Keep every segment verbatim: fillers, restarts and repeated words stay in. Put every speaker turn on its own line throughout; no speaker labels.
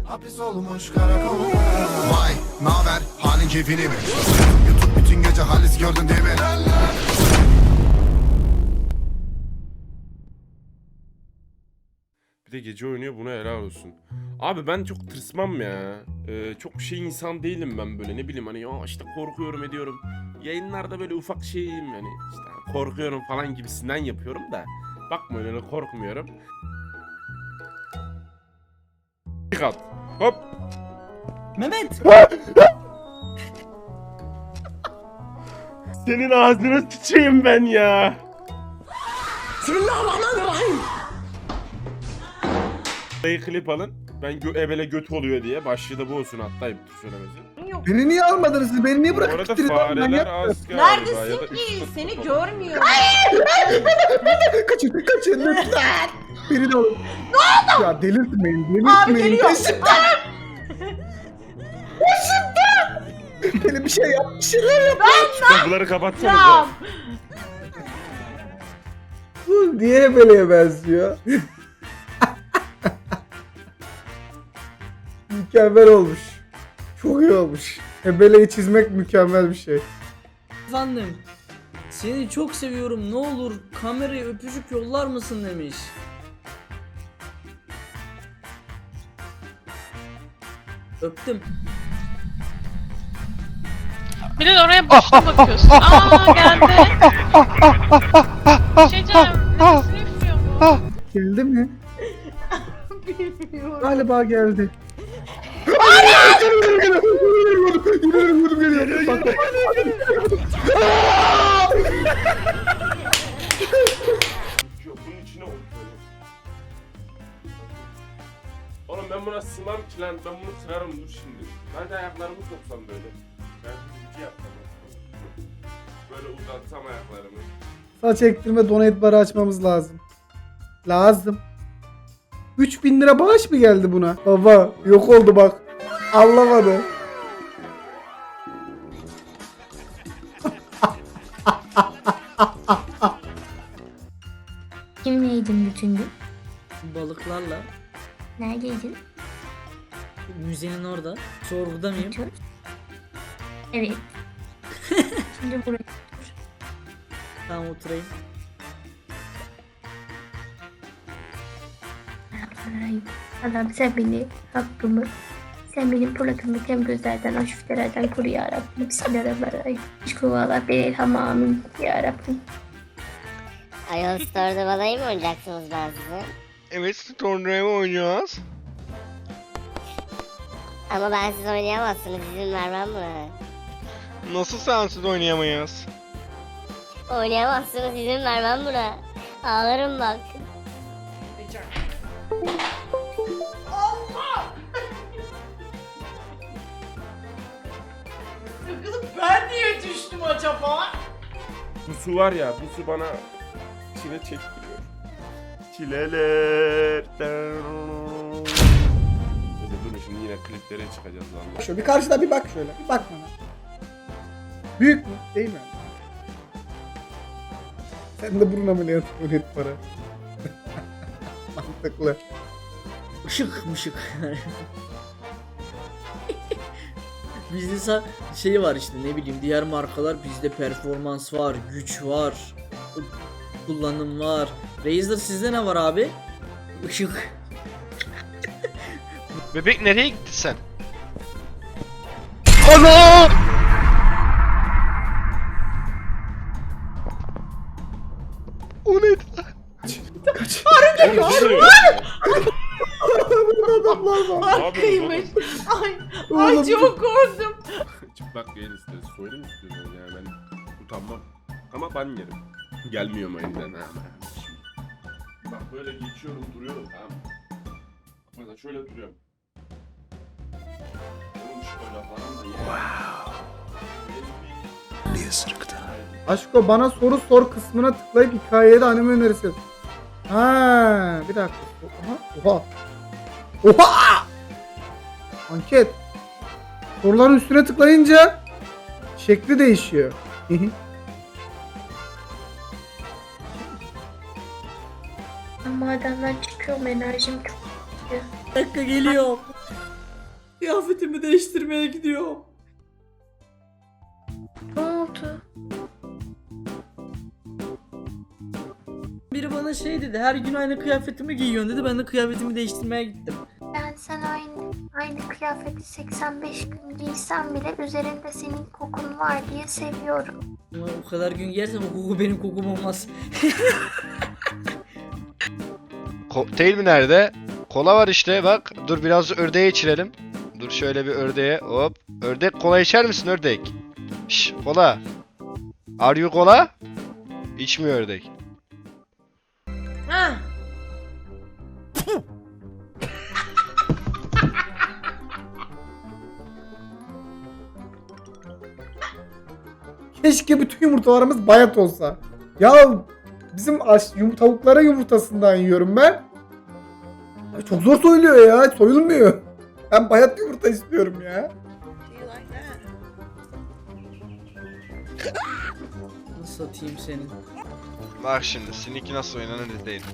Hapis olmuş karakolda. Vay naber halin keyfini mi? YouTube bütün gece halis gördün değil mi?
Bir de gece oynuyor, buna helal olsun. Abi ben çok tırsmam ya. Ee, çok şey insan değilim ben böyle, ne bileyim hani ya işte korkuyorum ediyorum. Yayınlarda böyle ufak şeyim yani işte korkuyorum falan gibisinden yapıyorum da. Bakma öyle korkmuyorum. Kat. Hop.
Mehmet.
Senin ağzına sıçayım ben ya.
Bismillahirrahmanirrahim.
Dayı klip alın. Ben gö ebele göt oluyor diye. Başlığı da bu olsun hatta ayıptır söylemesi.
Beni niye almadınız siz? Beni niye
Bu
bırakıp
arada
gittiniz? lan? Ben
fareler
yaptım.
az galiba. ya da
Neredesin
üç
ki?
kat
Seni
kapalı.
görmüyorum.
Kaçın, kaçın lütfen. Beni de alın. Ne oldu? Ya delirtmeyin, delirtmeyin.
Abi geliyor.
Peşimden. Peşimden. Beni bir şey yap, bir şeyler yap.
Kapıları kapatsanıza.
Tamam.
Bu niye böyle benziyor? Mükemmel olmuş. Çok iyi olmuş. Ebeleyi çizmek mükemmel bir şey.
Efendim. Seni çok seviyorum. Ne olur kameraya öpücük yollar mısın demiş. Öptüm.
Bir de oraya boşuna bakıyorsun. Aa geldi. Bir şey diyeceğim. Nefesini üflüyor bu.
Geldi mi?
Bilmiyorum.
Galiba geldi.
Yok, bunun içine oturuyor. Oğlum ben buna sığmam ki lan. Ben bunu kırarım dur şimdi. Ben de ayaklarımı soksam böyle. Ben bir yapsam. Böyle uzatsam ayaklarımı.
Saç ektirme donate barı açmamız lazım. Lazım. üç bin lira bağış mı geldi buna? Baba yok oldu bak. Anlamadı.
Kimleydin bütün gün?
Balıklarla.
Neredeydin?
Müzenin orada. Sorguda mıyım?
Otur. Evet. Şimdi buraya.
Tamam oturayım.
Ay, Allah'ım sen beni, hakkımı, sen benim plakımı kem gözlerden, aşiftelerden koru ya Rabbim. Bismillahirrahmanirrahim. Şükürallah beni elham amin ya Rabbim.
Ayol Store'da balayı mı oynayacaksınız ben size?
Evet, Storm'da mı oynayacağız?
Ama ben siz oynayamazsınız, izin vermem mi?
Nasıl sensiz oynayamayız?
Oynayamazsınız, izin vermem buna. Ağlarım bak.
Kızım ben niye düştüm acaba?
Bu su var ya, bu su bana çile çektiriyor. Çileler. Neyse durun şimdi yine kliplere çıkacağız lan.
Şöyle bir karşıda bir bak şöyle. Bir bak bana. Büyük mü? Değil mi? Sen de burun ameliyatı donate para. Mantıklı.
Işık mışık. Bizde sa- şey var işte ne bileyim diğer markalar bizde performans var, güç var, kullanım var. Razer sizde ne var abi? Işık.
Bebek nereye gitti sen? Ana! O neydi lan?
Kaç. Adamlar var.
Hakkıymış. Ay,
Oğlum.
ay çok korktum.
Çıplak yayın isteriz. Söyle mi istiyorsun yani ben utanmam. Ama ban yerim. Gelmiyor mu elinden ha? Bak böyle geçiyorum duruyorum tamam mı? Mesela şöyle duruyorum. Oğlum şöyle falan da ya.
Niye sırıktı?
Aşko bana soru sor kısmına tıklayıp hikayeye de anime önerisi. Ha, bir dakika. Oha. Oha. Oha! Anket. Soruların üstüne tıklayınca şekli değişiyor.
Ama adamdan çıkıyorum, enerjim çok.
Bir dakika geliyor. Kıyafetimi değiştirmeye gidiyorum.
Ne oldu?
Biri bana şey dedi, her gün aynı kıyafetimi giyiyorsun dedi. Ben de kıyafetimi değiştirmeye gittim.
Ben sen aynı aynı kıyafeti seksen beş gün giysem bile üzerinde senin kokun var diye seviyorum.
Ama o kadar gün giyersem o koku benim kokum olmaz.
Kokteyl mi nerede? Kola var işte bak. Dur biraz ördeğe içirelim. Dur şöyle bir ördeğe hop. Ördek kola içer misin ördek? Şş kola. Are you kola? İçmiyor ördek.
Ha.
Keşke bütün yumurtalarımız bayat olsa. Ya bizim aş, yum, tavuklara yumurtasından yiyorum ben. Abi çok zor soyuluyor ya. Soyulmuyor. Ben bayat yumurta istiyorum ya.
Nasıl atayım senin?
Bak şimdi seninki nasıl oynanır değil.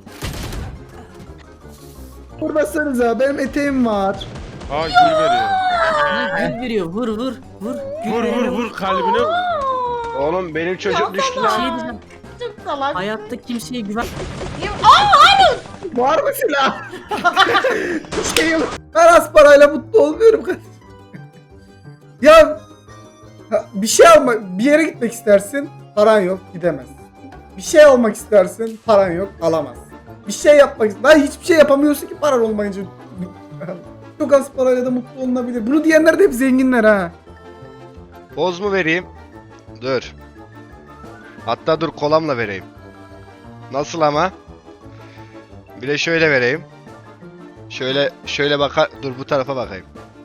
Vurmasanıza benim eteğim var.
Aa gül veriyor.
Ne gül veriyor? Vur vur vur. Gül
Vur vur
veriyor.
vur kalbine.
Oğlum benim çocuk düştü
Bir
lan.
şey diyeceğim.
Çok salak.
Hayatta kimseye güven.
Var mı silah? şey yok. Ben az parayla mutlu olmuyorum kardeşim. Ya ha, bir şey almak, bir yere gitmek istersin, paran yok, gidemezsin. Bir şey almak istersin, paran yok, alamazsın. Bir şey yapmak, daha hiçbir şey yapamıyorsun ki paran olmayınca. Çok az parayla da mutlu olunabilir. Bunu diyenler de hep zenginler ha.
Boz mu vereyim? Dur. Hatta dur kolamla vereyim. Nasıl ama? Bir de şöyle vereyim. Şöyle şöyle bakar. Dur bu tarafa bakayım.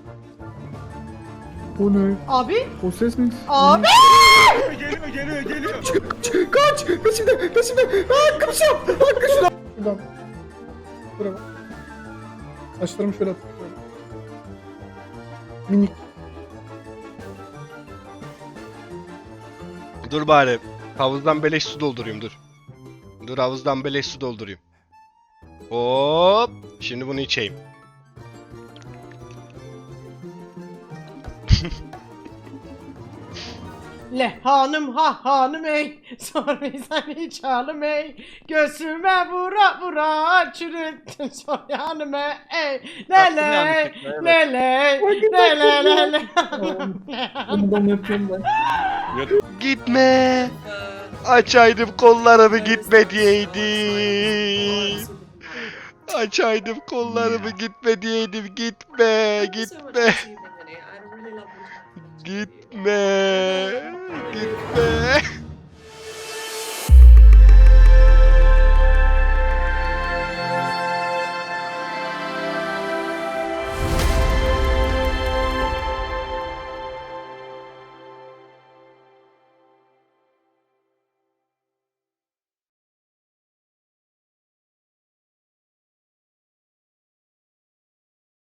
O ne?
Abi.
O ses mi?
Abi.
Geliyor geliyor geliyor.
Kaç! Peşimde! Peşimde! Aa kaçıyorum! Aa kaçıyorum! Buradan. Buraya bak. Saçlarımı şöyle atıyorum. Minik.
Dur bari. Havuzdan beleş su doldurayım dur. Dur havuzdan beleş su doldurayım. Hop. Şimdi bunu içeyim.
Le hanım ha hanım ey. Sormaysan hiç hanım ey. Göğsüme vura vura çürüttün soryanım ey. Le le. Le le. Le le le le.
Bundan yapıyorum ben.
Gitme. Açaydım kollarımı gitme diyeydim. Açaydım kollarımı gitme diyeydim. Gitme. Gitme. Gitme. Gitme.